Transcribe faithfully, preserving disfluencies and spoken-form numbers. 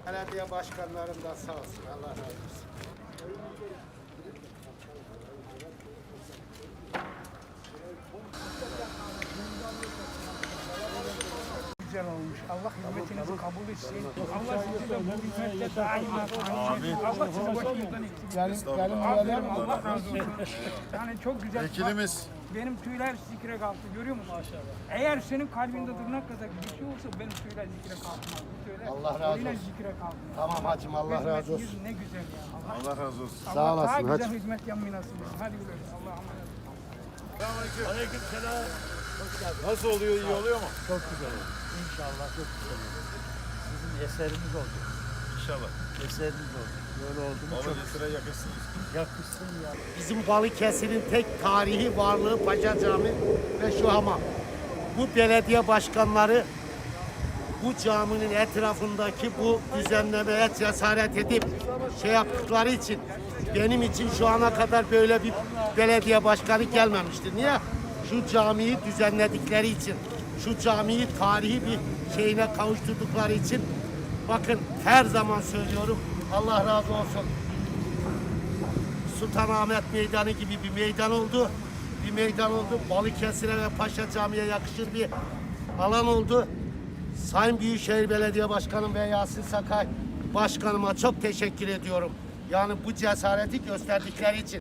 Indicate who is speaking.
Speaker 1: Belediye başkanlarım da sağ olsun. Allah razı olsun.
Speaker 2: Güzel olmuş. Allah hizmetinizi kabul etsin. Allah sizi de bu hizmette daima
Speaker 3: Amin.
Speaker 2: Allah sizi başımızdan eksik.
Speaker 1: Yani, benim
Speaker 2: Aferin, Allah razı olsun. Yani çok güzel.
Speaker 3: Vekilimiz.
Speaker 2: Benim tüyler zikre kalktı. Görüyor musun? Maşallah. Eğer senin kalbinde tırnak kadar bir şey olsa benim tüyler zikre kalkmaz. Bu tüyler
Speaker 1: Allah razı
Speaker 2: tüyler
Speaker 1: olsun.
Speaker 2: zikre kalkmaz.
Speaker 1: Tamam hacım, Allah razı olsun.
Speaker 2: Hizmetiniz ne güzel ya. Allah,
Speaker 3: Allah razı olsun.
Speaker 2: Allah
Speaker 1: Sağ olasın
Speaker 2: daha güzel
Speaker 1: hacım.
Speaker 2: hizmet yapmayı nasip etsin. Hadi güle güle. Allah'a emanet olun.
Speaker 3: Aleykümselam. Nasıl oluyor? İyi oluyor mu?
Speaker 4: Çok güzel oldu. İnşallah çok güzel oldu. Sizin eseriniz oldu.
Speaker 3: İnşallah.
Speaker 4: Eseriniz oldu. Böyle oldu mu çok
Speaker 3: Balıkesir'e yakışsınız.
Speaker 4: yakışsın ya.
Speaker 1: Bizim Balıkesir'in tek tarihi varlığı Paşa Camii ve şu hamam. Bu belediye başkanları bu caminin etrafındaki bu düzenlemeye cesaret edip şey yaptıkları için benim için şu ana kadar böyle bir belediye başkanı gelmemişti. Niye? Şu camiyi düzenledikleri için, şu camiyi tarihi bir şeyine kavuşturdukları için bakın her zaman söylüyorum Allah razı olsun. Sultanahmet Meydanı gibi bir meydan oldu. Bir meydan oldu. Balıkesir'e ve Paşa Camii'ye yakışır bir alan oldu. Sayın Büyükşehir Belediye Başkanım ve Yasin Sakay Başkanıma çok teşekkür ediyorum. Yani bu cesareti gösterdikleri için.